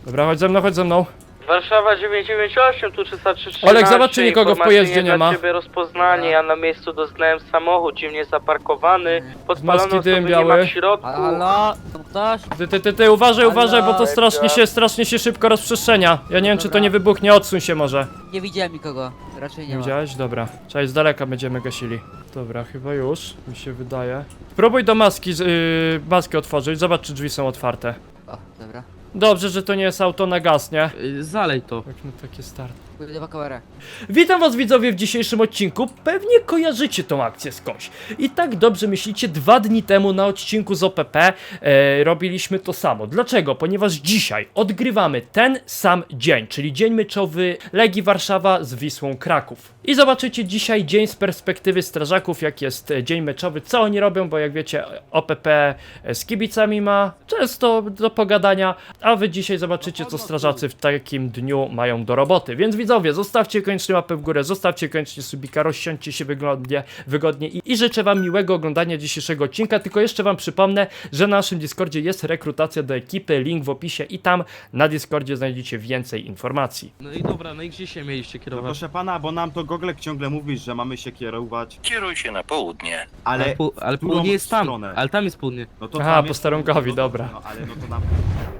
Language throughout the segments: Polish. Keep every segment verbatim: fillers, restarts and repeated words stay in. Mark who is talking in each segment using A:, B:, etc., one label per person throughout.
A: Dobra, chodź ze mną, chodź ze mną.
B: Warszawa dziewięć dziewięć osiem, tu trzysta trzynaście.
A: Olek, zobacz, czy nikogo w pojeździe nie ma.
B: Dla ciebie rozpoznanie, ja na miejscu doznałem samochód dziwnie zaparkowany. Podpalono
A: Maski dym
B: osoby nie ma
A: biały.
B: w środku.
C: Halo, to ktoś?
A: Ty, ty, ty, ty, uważaj, uważaj, bo to strasznie się, strasznie się szybko rozprzestrzenia. Ja nie wiem, czy to nie wybuchnie, odsuń się może.
C: Nie widziałem nikogo, raczej nie
A: Nie
C: ma.
A: widziałeś? Dobra. Cześć, z daleka będziemy gasili. Dobra, chyba już, mi się wydaje. Spróbuj do maski, z- yy, maski otworzyć, zobacz, czy drzwi są otwarte.
C: O, dobra.
A: Dobrze, że to nie jest auto na gaz, nie?
D: Y, Zalej to.
A: Tak, no takie start.
C: Pójdę po kamerę.
A: Witam was widzowie w dzisiejszym odcinku. Pewnie kojarzycie tą akcję skądś. I tak dobrze myślicie, dwa dni temu na odcinku z O P P e, robiliśmy to samo. Dlaczego? Ponieważ dzisiaj odgrywamy ten sam dzień, czyli dzień meczowy Legii Warszawa z Wisłą Kraków. I zobaczycie dzisiaj dzień z perspektywy strażaków, jak jest e, dzień meczowy, co oni robią, bo jak wiecie O P P e, z kibicami ma często do pogadania, a wy dzisiaj zobaczycie, co strażacy w takim dniu mają do roboty. Więc widzowie, zostawcie koniecznie łapę w górę, zostawcie koniecznie subika, rozsiądźcie się wygodnie, wygodnie i, i życzę wam miłego oglądania dzisiejszego odcinka. Tylko jeszcze wam przypomnę, że na naszym Discordzie jest rekrutacja do ekipy, link w opisie i tam na Discordzie znajdziecie więcej informacji.
D: No i dobra, no i gdzie się mieliście
E: No
D: kierować?
E: proszę pana, bo nam to Goglek ciągle mówi, że mamy się kierować.
F: Kieruj się na południe.
E: Ale,
D: Ale, pół, ale
E: którą
D: południe jest tam,
E: stronę?
D: ale tam jest południe.
E: No to
A: Aha,
E: tam
A: po
E: jest-
A: starunkowi,
E: no to-
A: dobra.
E: No ale no to nam...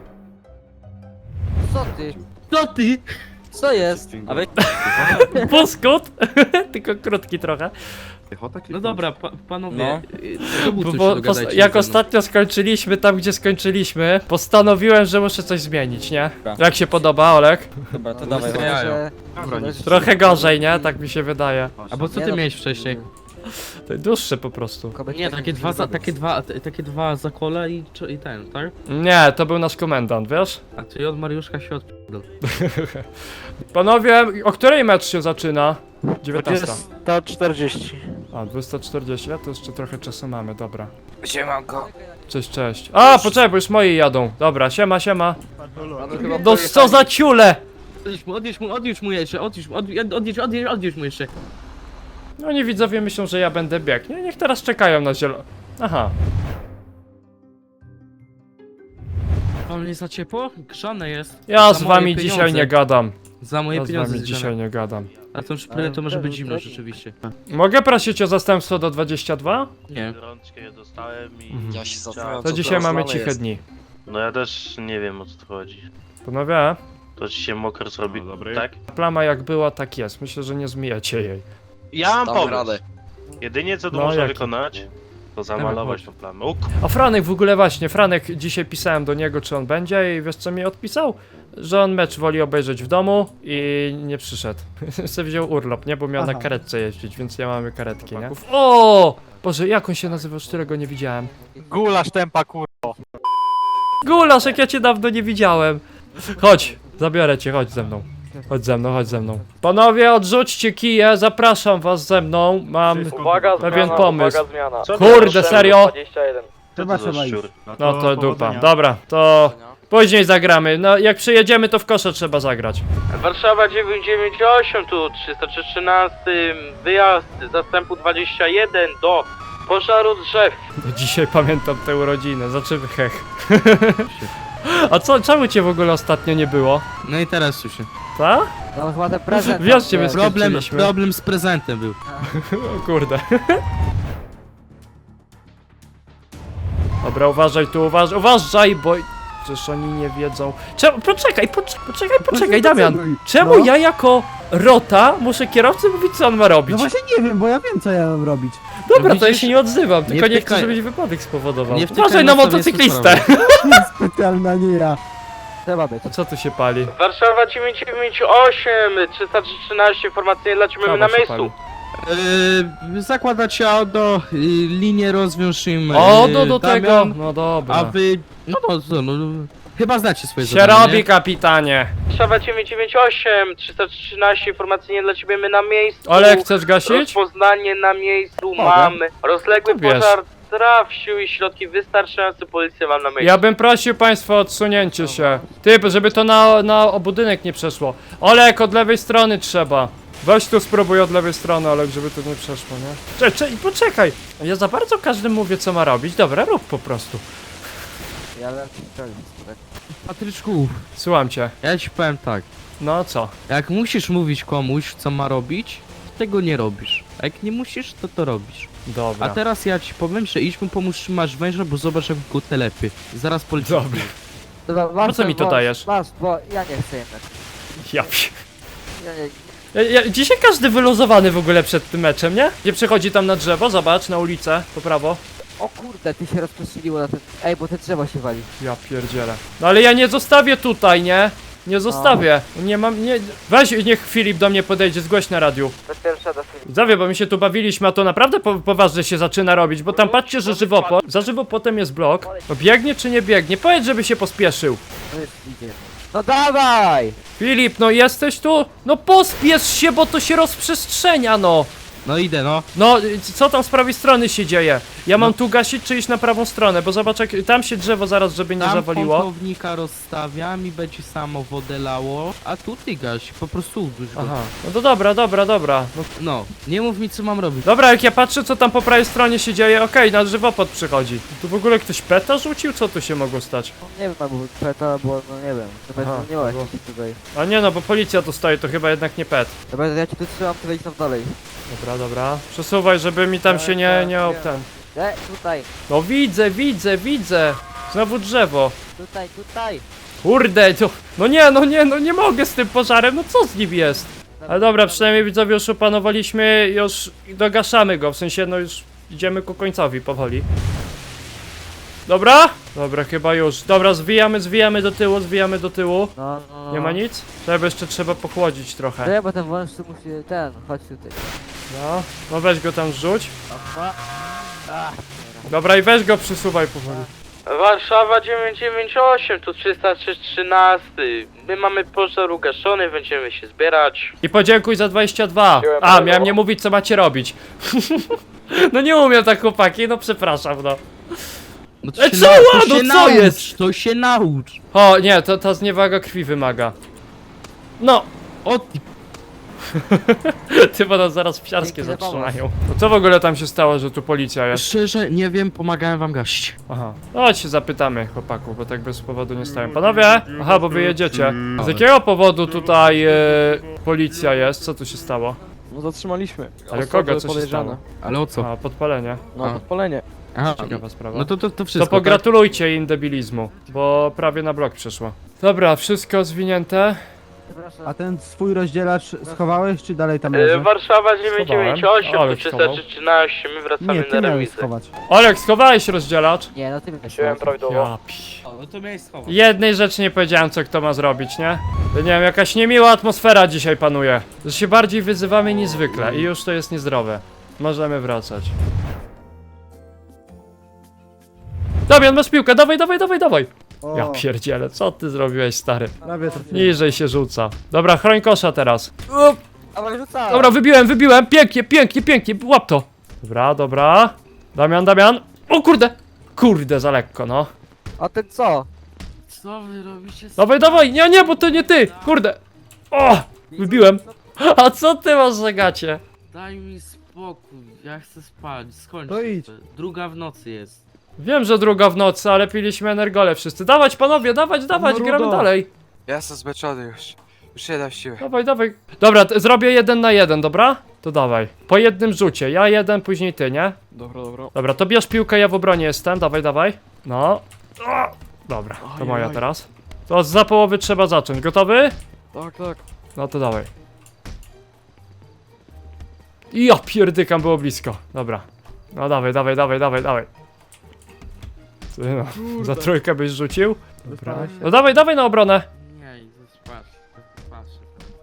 C: Co ty?
D: No ty!
C: Co jest? A wy...
A: Puskut! Tylko krótki trochę.
D: No dobra, pa, panowie,
C: No.
D: y, to
A: Bo,
D: coś
A: bo,
D: dogadajcie
A: pos-
D: ze
A: jak
D: mną.
A: ostatnio skończyliśmy tam, gdzie skończyliśmy, postanowiłem, że muszę coś zmienić, nie? Jak się podoba, Olek?
C: Dobra, to
D: dawaj,
C: myślę,
D: dawaj.
C: że...
E: Dobra, nic.
A: Trochę gorzej, nie? Tak mi się wydaje.
D: A bo co
C: Nie
D: ty
C: no,
D: miałeś wcześniej?
A: To dłuższe po prostu.
C: kobiety
D: Nie,
C: tak
D: takie dwa, za,
C: robią.
D: takie dwa, t- takie dwa zakole i, czo- i ten, tak?
A: Nie, to był nasz komendant, wiesz?
D: A czyli od Mariuszka się odpierdol.
A: Panowie, o której mecz się zaczyna? dziewiętnasta.
B: dwudziesta czterdzieści.
A: A, dwudziesta czterdzieści, to jeszcze trochę czasu mamy, dobra.
B: Siemanko.
A: Cześć, cześć. A, poczekaj, bo już moi jadą. Dobra, siema, siema.
C: chyba
A: No co za ciule!
D: Odjedź mu, odjedź mu, odjedź mu jeszcze, odjedź mu, odjedź, odjedź, odjedź, odjedź mu jeszcze.
A: No nie widzowie myślą, że ja będę biegł. Nie, niech teraz czekają na zielono. Aha.
D: Wam nie za ciepło? Grzane jest.
A: Ja
D: Za
A: z
D: moje
A: wami
D: pieniądze.
A: dzisiaj nie gadam.
D: Za moje
A: Ja z
D: pieniądze
A: wami
D: zgrzane.
A: dzisiaj nie gadam.
D: A tą szprytę to może być zimno rzeczywiście.
A: Mogę prosić o zastępstwo do dwudziesta dwa?
D: Nie.
F: Rączkę je dostałem i...
A: Mhm.
G: Ja się
F: chciałem-
G: zastanawiam,
A: To
G: co
A: dzisiaj
G: teraz
A: mamy
G: znane
A: ciche
G: jest.
A: dni.
F: No ja też nie wiem, o co tu chodzi.
A: Panowie,
F: To ci się mokro zrobi,
E: No, dobry.
F: tak?
A: plama jak była, tak jest. Myślę, że nie zmijacie jej.
F: Ja mam
G: Dam
F: pomysł.
G: radę.
F: Jedynie co tu
A: No,
F: można
A: jaki?
F: wykonać, to zamalować tą plamę. O,
A: A Franek w ogóle właśnie, Franek, dzisiaj pisałem do niego, czy on będzie i wiesz co mi odpisał? Że on mecz woli obejrzeć w domu i nie przyszedł. Se wziął urlop, nie? Bo miał na karetce jeździć, więc ja mamy karetki, nie? O! Boże, jak on się nazywa, już którego nie widziałem?
B: Gulasz tempa kurwa.
A: Gulasz, jak ja cię dawno nie widziałem. Chodź, zabiorę cię, chodź ze mną. Chodź ze mną, chodź ze mną. Panowie, odrzućcie kije, zapraszam was ze mną. Mam
B: Uwaga,
A: pewien
B: zmiana,
A: pomysł.
B: uwaga, zmiana.
F: co
A: Kurde, serio?
B: dwadzieścia jeden.
F: Co to za szczur?
A: No to dupa.
E: powodzenia.
A: Dobra, to później zagramy. No jak przyjedziemy, to w kosze trzeba zagrać.
B: Warszawa dziewięć dziewięć osiem, tu trzysta trzynaście, wyjazd zastępu dwadzieścia jeden do pożaru drzew.
A: No dzisiaj pamiętam te urodziny, zaczęły hech. A co, czemu cię w ogóle ostatnio nie było?
D: No i teraz już się.
A: Ta?
C: No chyba ten prezent.
A: Wiesz, ciebie
C: tam,
D: Problem,
A: skończyliśmy.
D: problem z prezentem był.
A: O kurde. Dobra, uważaj tu, uważaj, uważaj, bo... Przecież oni nie wiedzą... Czemu? Poczekaj, poczekaj, poczekaj, poczekaj, Damian. Czemu ja jako rota muszę kierowcy mówić, co on ma robić?
H: No właśnie nie wiem, bo ja wiem, co ja mam robić.
A: Dobra,
D: No
A: to ja
D: widzisz,
A: się nie odzywam, tylko nie, chcę,
D: wtykaj-
A: żebyś wypadek spowodował.
D: nie wtykaj
A: Uważaj na
D: nosa w
A: motocyklistę!
H: Specjalna nie ja.
C: Trzeba być.
A: Co tu się pali?
B: Warszawa dziewięć dziewięć osiem, trzysta trzynaście, informacyjnie lecimy
A: Kawa
B: na
A: się
B: miejscu.
A: pali.
D: Yy, zakładać auto, y, linię rozwiąż im.
A: O,
D: y,
A: do, do
D: Damian,
A: tego! No
D: A
A: dobra.
D: wy. No to co, no. Chyba znacie swoje
A: Się
D: zadanie,
A: robi,
D: nie?
A: kapitanie!
B: Warszawa dziewięć dziewięć osiem, trzysta trzynaście, informacyjnie lecimy na miejscu.
A: Olek, chcesz gasić?
B: Rozpoznanie na miejscu mamy. Rozległy
A: To wiesz.
B: pożar traw, siły i środki wystarczające, policja mam na miejscu.
A: Ja bym prosił państwa o odsunięcie się. Ty, żeby to na, na budynek nie przeszło. Olek, od lewej strony trzeba. Weź tu spróbuj od lewej strony, Olek, żeby to nie przeszło, nie? Cze, cze, poczekaj! Ja za bardzo każdemu mówię, co ma robić. Dobra, rób po prostu.
C: Ja wiem, co tak.
D: Patryczku,
A: Słucham cię.
D: ja ci powiem tak.
A: No co?
D: Jak musisz mówić komuś, co ma robić, to tego nie robisz. A jak nie musisz, to to robisz.
A: Dobra.
D: A teraz ja ci powiem, że idź mu pomóż trzymać węża, bo zobacz jak go telepy. Zaraz poleci.
A: Dobra.
C: Dobra, masz
A: Po co
C: ten
A: mi to
C: wąż,
A: dajesz?
C: Masz, bo ja nie chcę jednak.
A: Ja, pi-
C: Ja, nie,
A: ja, ja, dzisiaj każdy wyluzowany w ogóle przed tym meczem, nie? Gdzie przechodzi tam na drzewo, zobacz, na ulicę, po prawo.
C: o kurde, ty się rozproszyliło na ten... Ej, bo te drzewo się wali.
A: Ja pierdzielę. No ale ja nie zostawię tutaj, nie? Nie zostawię. Nie mam, nie... Weź, niech Filip do mnie podejdzie, zgłoś na radiu.
C: To pierwsza do filmu.
A: Zawie, bo my się tu bawiliśmy, a to naprawdę po, poważnie się zaczyna robić, bo tam patrzcie, że żywopłot, za żywopłotem jest blok. No biegnie czy nie biegnie? Powiedz, żeby się pospieszył.
C: No już idzie. No dawaj!
A: Filip, no jesteś tu? No pospiesz się, bo to się rozprzestrzenia, no.
D: No idę, no.
A: No, y, co tam z prawej strony się dzieje? Ja mam
D: No.
A: tu gasić czy iść na prawą stronę, bo zobacz jak tam się drzewo zaraz, żeby nie
D: Tam
A: zawaliło.
D: pompownika rozstawiam i będzie samo wodę lało, a tu ty gaś, po prostu uduś go.
A: Aha, no to dobra, dobra, dobra. No,
D: No, nie mów mi co mam robić.
A: dobra, jak ja patrzę co tam po prawej stronie się dzieje, okej, na żywopłot przychodzi. Tu w ogóle ktoś peta rzucił? Co tu się mogło stać?
C: No, nie wiem, albo peta, bo no nie wiem. To
A: Aha,
C: będzie nie ma
A: było.
C: tutaj.
A: A nie no, bo policja tu stoi, to chyba jednak nie pet.
C: Dobra, ja ci tu trzymam, ty wejdź tam dalej.
A: Dobra, dobra. Przesuwaj, żeby mi tam się nie, nie ob ten.
C: E, tutaj,
A: No widzę, widzę, widzę. Znowu drzewo.
C: tutaj, tutaj.
A: Kurde, to... No nie, no nie, no nie mogę z tym pożarem, no co z nim jest? Ale dobra, przynajmniej widzowie już opanowaliśmy, już dogaszamy go, w sensie no już idziemy ku końcowi powoli. Dobra? Dobra, chyba już. Dobra, zwijamy, zwijamy do tyłu, zwijamy do tyłu.
C: No, no, no.
A: Nie ma nic? Trzeba jeszcze trzeba pochłodzić trochę.
C: Nie, bo ten wąż tu musi, ten, chodź tutaj.
A: No, no weź go tam zrzuć.
C: Aha. Ach,
A: Dobra i weź go przysuwaj powoli.
B: Warszawa dziewięć dziewięć osiem, tu trzysta trzynaście. My mamy pożar ugaszony, będziemy się zbierać.
A: I podziękuj za dwadzieścia dwa. A, miałem nie mówić co macie robić. No nie umiem tak chłopaki, no przepraszam no.
D: No to
A: E,
D: się
A: co?
D: nau-
A: No
D: to się
A: co
D: naucz,
A: jest?
D: To się naucz.
A: O nie, to ta zniewaga krwi wymaga. No,
D: O ty,
A: ty bo nas zaraz psiarskie
C: Dzięki za pomoc.
A: zatrzymają. No co w ogóle tam się stało, że tu policja jest?
D: szczerze nie wiem, pomagałem wam gaść.
A: Aha. No chodź się zapytamy chłopaków, bo tak bez powodu nie stałem. Panowie? Aha, bo wy jedziecie. Z jakiego powodu tutaj e, policja jest? Co tu się stało?
G: No zatrzymaliśmy.
A: Ale
G: Osoby
A: kogo? Co się
G: podejrzane.
A: stało?
D: Ale o co?
A: A, podpalenie.
G: No
D: A.
G: podpalenie.
D: Aha,
A: Ciekawa sprawa.
D: no to, to, to
A: To
D: wszystko.
A: pogratulujcie im debilizmu, bo prawie na blok przeszło. Dobra, wszystko zwinięte.
C: przepraszam.
H: A ten swój rozdzielacz schowałeś, czy dalej tam
B: E,
H: leży?
B: Warszawa dziewięć dziewięć osiem,
A: Ale
B: tu
A: schował.
B: trzysta trzynaście, my wracamy
H: Nie,
B: na
H: ty miałeś
B: remizę.
H: schować.
A: Olek, schowałeś rozdzielacz?
C: Nie, no ty będziesz
G: Wziąłem
C: miał.
G: prawidłowo.
A: Ja pi...
D: O, no to miałeś schować.
A: Jednej rzeczy nie powiedziałem, co kto ma zrobić, nie? To nie wiem, jakaś niemiła atmosfera dzisiaj panuje. Że się bardziej wyzywamy niż zwykle i już to jest niezdrowe. Możemy wracać. Damian, masz piłkę, dawaj, dawaj, dawaj, dawaj!
H: O,
A: Ja pierdzielę, co ty zrobiłeś, stary?
H: prawie trafiłem.
A: Niżej się rzuca. Dobra, chroń kosza teraz. Up.
C: Dawaj, rzucaj!
A: Dobra, wybiłem, wybiłem, pięknie, pięknie, pięknie, łap to. Dobra, dobra. Damian, Damian. O kurde! Kurde, za lekko, no.
C: A ten co?
D: Co wy robicie?
A: Dawaj, dawaj, nie, nie, bo to nie ty, kurde. O, wybiłem. A co ty masz za gacie?
D: Daj mi spokój, ja chcę spać, skończ.
H: To idź.
D: Druga w nocy jest.
A: Wiem, że druga w nocy, ale piliśmy energole wszyscy. Dawać, panowie, dawać, dawać,
H: No,
A: gramy
H: rudo.
A: dalej.
I: Ja jestem zmęczony już. Już nie dam siły.
A: Dawaj, dawaj. Dobra, t- zrobię jeden na jeden, dobra? To dawaj. Po jednym rzucie, ja jeden, później ty, nie?
G: Dobra, dobra.
A: Dobra, to bierz piłkę, ja w obronie jestem, dawaj, dawaj. No. O, dobra, to moja
G: Ajaj.
A: teraz. To za połowy trzeba zacząć, gotowy?
G: Tak, tak.
A: No to dawaj. I ja pierdykam, było blisko. Dobra. No dawaj, dawaj, dawaj, dawaj, dawaj. Ty no, za trójkę byś rzucił? Dobra. No dawaj, dawaj na obronę.
D: Nie, idę spać. Patrzę.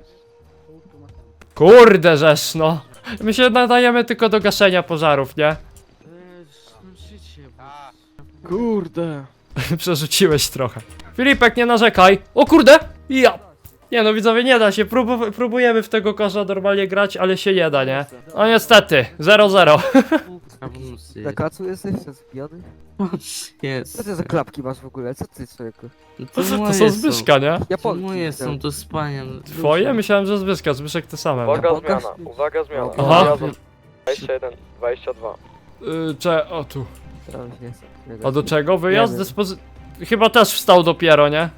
A: Kurde żeż, no. My się nadajemy tylko do gaszenia pożarów, nie?
D: Życie,
G: Kurde.
A: Przerzuciłeś trochę. Filipek, nie narzekaj. O kurde! Ja! Nie no widzowie, nie da się. Próbu próbujemy w tego kosza normalnie grać, ale się nie da, nie? No niestety, zero zero.
C: Na kacu jesteś? Zbijany?
D: Jest.
C: Co ty za klapki masz w ogóle? Co ty, człowieku?
D: No
A: To
D: moje
A: są Zbyszka, nie?
D: To
C: Japonki.
D: moje są, to spania.
A: Twoje? Myślałem, że Zbyszka. Zbyszek te same. No.
G: Uwaga
C: Pokaż.
G: zmiana, uwaga zmiana.
A: Aha.
G: Jadą dwadzieścia jeden, dwadzieścia dwa.
A: Yy, cze... o tu.
C: Teraz nie chcę.
A: A do czego? Wyjazd
C: Nie wiem.
A: dyspozy... chyba też wstał dopiero, nie?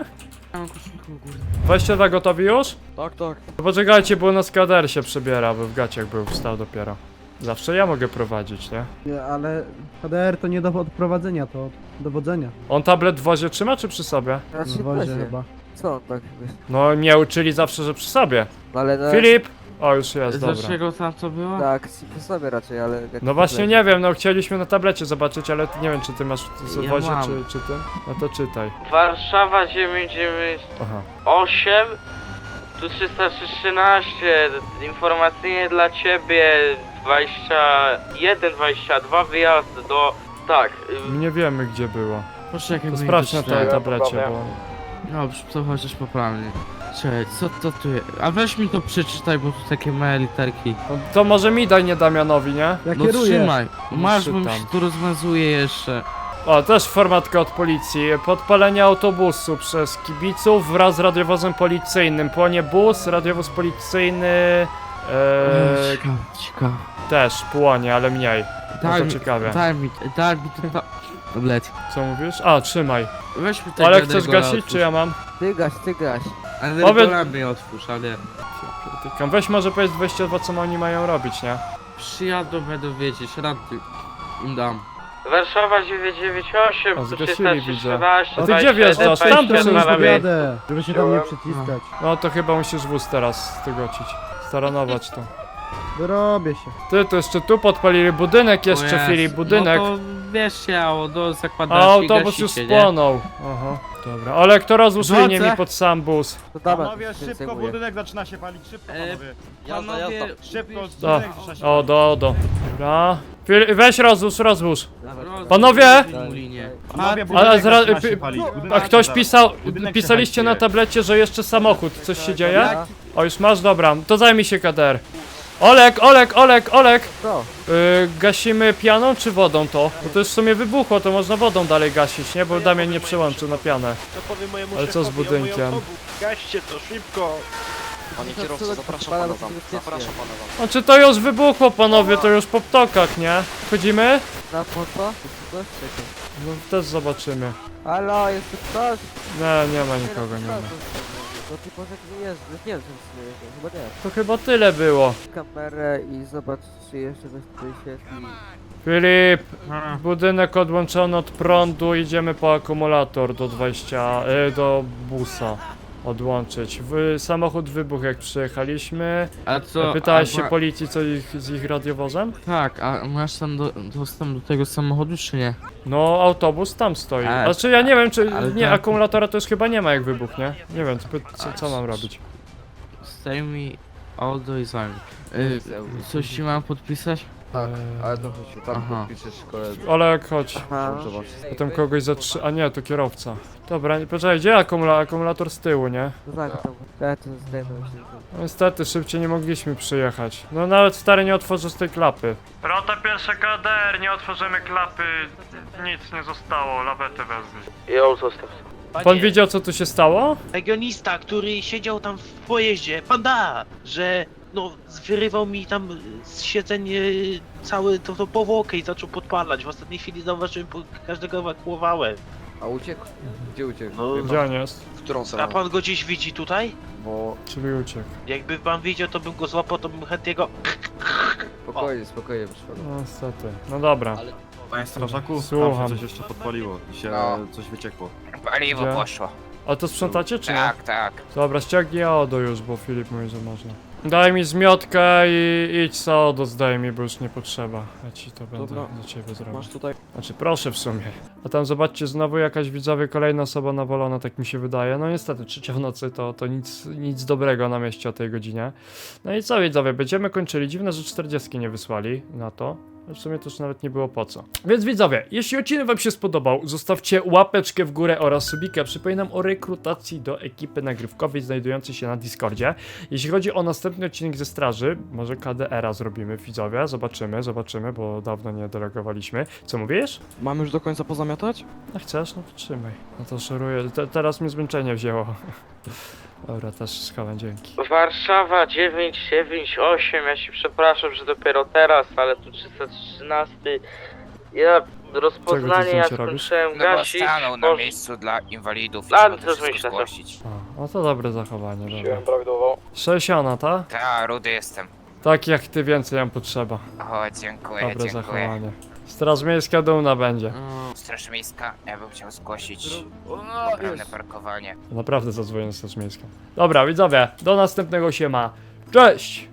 D: Ja mam koszulkę u góry.
A: Weźcie tak gotowi już?
G: Tak, tak.
A: Poczekajcie, bo na skader się przebiera, bo w gaciach był, wstał dopiero. Zawsze ja mogę prowadzić, nie?
H: Nie, ale H D R to nie do odprowadzenia, to od dowodzenia.
A: On tablet w wozie trzyma czy przy sobie?
C: Raczej
H: W wozie
C: wozie.
H: chyba.
C: Co on tak wiesz?
A: No mnie uczyli zawsze, że przy sobie.
C: No ale no,
A: Filip! O, już jest, dobra.
D: Dlaczego tam co było?
C: tak, przy sobie raczej, ale... jak
A: No właśnie
C: problem.
A: nie wiem, no chcieliśmy na tablecie zobaczyć, ale nie wiem czy ty masz w
D: Ja
A: wozie
D: mam.
A: czy, czy ty? No to czytaj.
B: Warszawa dziewięć dziewięć
A: Aha.
B: osiem, tu trzysta trzynaście, informacyjnie dla ciebie dwadzieścia jeden dwadzieścia dwa wyjazd do... Tak, ym,
A: Nie wiemy gdzie było.
D: Poczekaj,
A: To
D: bo
A: sprawdź na
D: nie
A: tej
D: doczytałem.
A: tablecie, bo...
D: Dobrze, to chociaż poprawnie. Czekaj, co to tu jest? A weź mi to przeczytaj, bo tu takie małe literki.
A: No, to może mi daj, nie Damianowi, nie?
H: Ja
D: No
H: kieruję.
D: trzymaj, masz, bo mi
A: czytam.
D: się tu rozmazuje jeszcze.
A: O, też formatka od policji. Podpalenie autobusu przez kibiców wraz z radiowozem policyjnym. Płonie bus, radiowóz policyjny...
D: Eee...
A: Eee,
D: Ciekawe, ciekawe.
A: też płonie, ale mniej. No
D: Daj
A: to
D: mi,
A: ciekawe.
D: daj mi, daj mi to ta... Tablet.
A: Co mówisz? A, trzymaj.
D: Weź mi tego
A: Ale chcesz
D: Regola
A: gasić,
D: otwórz.
A: czy ja mam?
C: Ty gaś, ty gaś.
D: Ale
A: Powiedz-
D: Regola mnie otwórz, ale...
A: Pierdykam. Weź może powiedz dwadzieścia dwa, co oni mają robić, nie?
D: Przyjadą, będą wiedzieć, rady im dam.
B: Warszawa dziewięć dziewięć osiem,
A: O,
B: tu
A: zgasili,
B: trzysta
A: widzę.
B: trzynaście,
A: A ty gdzie wjeżdżasz? Tam
B: dwadzieścia
A: to
B: jeden,
A: już
B: dwadzieścia dwa,
H: Jadę, żeby się tam nie przyciskać.
A: No to chyba musisz wóz teraz stygocić. Staranować to.
H: Wyrobię się.
A: Ty, to jeszcze tu podpalili budynek jeszcze,
D: O Jezu,
A: Filip, budynek.
D: No to wiesz ciało, do
A: A
D: zakładasz
A: autobus już spłonął. Aha, dobra. Ale kto rozłóż
D: Drodze.
A: linię mi pod sam bus?
C: To dawaj,
E: Panowie,
C: to się
E: szybko
C: zajmuje.
E: budynek zaczyna się palić, szybko
D: E,
E: panowie.
I: Jazda, jazda.
E: Szybko,
A: O,
E: budynek zaczyna się
A: o,
E: palić.
A: do, do. Dobra. Fil- weź rozłóż, rozłóż.
C: Dawaj.
A: Panowie!
E: Panowie,
A: Ale
E: budynek
A: zra-
E: zaczyna się
A: pi-
E: palić. Budynek
A: A ktoś
E: zaraz-
A: pisał,
E: budynek
A: pisaliście
E: się
A: na
E: hajtuje.
A: tablecie, że jeszcze samochód. Coś się dzieje?
C: Dobra.
A: O, już masz? Dobra. To zajmij się K D R. Olek, Olek, Olek, Olek!
C: Co?
A: Yy, gasimy pianą czy wodą to? Bo to już w sumie wybuchło, to można wodą dalej gasić, nie? Bo Damian nie przełączył na pianę.
F: To powiem mojemu
A: Ale co z
F: szefowi o moją
A: budynkiem?
F: nogę. Gaście to szybko.
I: Panie
C: To
I: kierowco,
C: co,
I: zapraszam
C: pana
I: pana
C: do
I: tam.
C: bezpiecznej.
I: Zapraszam pana tam.
A: Znaczy to już wybuchło, panowie, to już po ptokach, nie? Wchodzimy?
C: Na po co? Coś czekaj.
A: No też zobaczymy.
C: Halo, jest tu ktoś?
A: Nie, nie ma nikogo, nie ma.
C: No ty powiedz mi jest, nie wiem, czy jest, chyba nie.
A: To chyba tyle było.
C: Kamerę i zobacz, czy jeszcze coś tutaj świetli.
A: Filip, budynek odłączony od prądu, idziemy po akumulator do dwadzieścia, y, do busa. Odłączyć. W, samochód wybuchł jak przyjechaliśmy.
D: A co?
A: Pytałeś
D: a
A: się
D: ma-
A: policji co ich, z ich radiowozem?
D: Tak, a masz tam do, dostęp do tego samochodu, czy nie?
A: No autobus tam stoi.
D: A,
A: Znaczy ja nie wiem czy,
D: ale
A: nie,
D: tak-
A: akumulatora to już chyba nie ma jak wybuchnie. Nie wiem, co, co, co mam robić.
D: Stay me all the time. Y, coś ci mam podpisać?
A: Tak,
J: Ale to chodź, tam
D: Aha.
J: podpiszesz koledze.
A: Olek, chodź.
C: Aha.
J: Dobrze, masz.
A: Potem kogoś zatrzy... A nie, to kierowca. Dobra, nie- poczekaj, gdzie akumula akumulator z tyłu, nie?
C: No tak, tam. Ja to zdejmę się.
A: No niestety, szybciej nie mogliśmy przyjechać. No nawet stary nie otworzył z tej klapy. Rota pierwsza K D R, nie otworzymy klapy. Nic nie zostało, lawetę wezmij.
B: ją zostaw.
A: Pan widział co tu się stało?
F: Regionista, który siedział tam w pojeździe, panda, że no wyrywał mi tam z siedzeń y, cały to, to powłokę i zaczął podpalać. W ostatniej chwili zauważyłem, bo każdego ewakuowałem.
J: A uciekł? Gdzie uciekł?
F: No.
J: Wie
A: Gdzie
J: pan,
A: on jest?
J: w którą
F: A
J: stronę?
F: pan go gdzieś widzi tutaj?
J: Bo
A: Czyli uciekł.
F: Jakby pan widział, to bym go złapał, to bym chętnie go...
J: spokojnie, spokojnie, proszę pana.
A: No niestety. No dobra.
E: Panie strażaku, tam
A: Słucham.
E: się coś jeszcze podpaliło. Się
J: No.
E: coś wyciekło.
I: Paliwo
A: Gdzie?
I: poszło.
A: A to sprzątacie czy nie?
I: Tak, tak.
A: Dobra, ściągnij Odo już, bo Filip mówi, że można. Daj mi zmiotkę i idź za Odo, zdaj mi, bo już nie potrzeba. Ja ci to będę
G: Dobra.
A: za ciebie zrobił.
G: Masz tutaj.
A: Znaczy proszę w sumie. A tam zobaczcie, znowu jakaś widzowie, kolejna osoba nawalona, tak mi się wydaje. No niestety, trzecia w nocy to, to nic, nic dobrego na mieście o tej godzinie. No i co widzowie, będziemy kończyli. Dziwne, że czterdziestki nie wysłali na to. W sumie to już nawet nie było po co. Więc widzowie, jeśli odcinek wam się spodobał, zostawcie łapeczkę w górę oraz subika. Przypominam o rekrutacji do ekipy nagrywkowej znajdującej się na Discordzie. Jeśli chodzi o następny odcinek ze straży, może K D R a zrobimy, widzowie. Zobaczymy, zobaczymy, bo dawno nie delegowaliśmy. Co mówisz?
G: Mamy już do końca pozamiatać?
A: No chcesz? No to trzymaj. No to szoruję. Te, teraz mnie zmęczenie wzięło. Dobra, też schowam, dzięki.
B: Warszawa dziewięć dziewięć osiem, ja się przepraszam, że dopiero teraz, ale tu trzysta trzynaście Ja
A: Czego
B: rozpoznanie
A: ty
B: jak
A: zdjęcie robisz?
B: skończyłem
I: No bo
B: gasić,
I: stanął na
B: posz-
I: miejscu dla inwalidów i
B: A,
I: trzeba
B: to
I: to wszystko
B: myślę, to-
I: zgłosić.
A: A, no to dobre zachowanie, dobra.
G: prawidłowo.
A: sześćdziesiąt, ta?
I: Ta, rudy jestem.
A: Tak jak ty, więcej nam potrzeba.
I: O, dziękuję,
A: Dobre
I: dziękuję.
A: zachowanie. Straż miejska dumna będzie.
I: Straż miejska, ja bym chciał zgłosić
J: O,
I: poprawne
J: jest.
I: parkowanie.
A: Naprawdę zadzwonię na straż miejską. Dobra, widzowie, do następnego się ma. Cześć!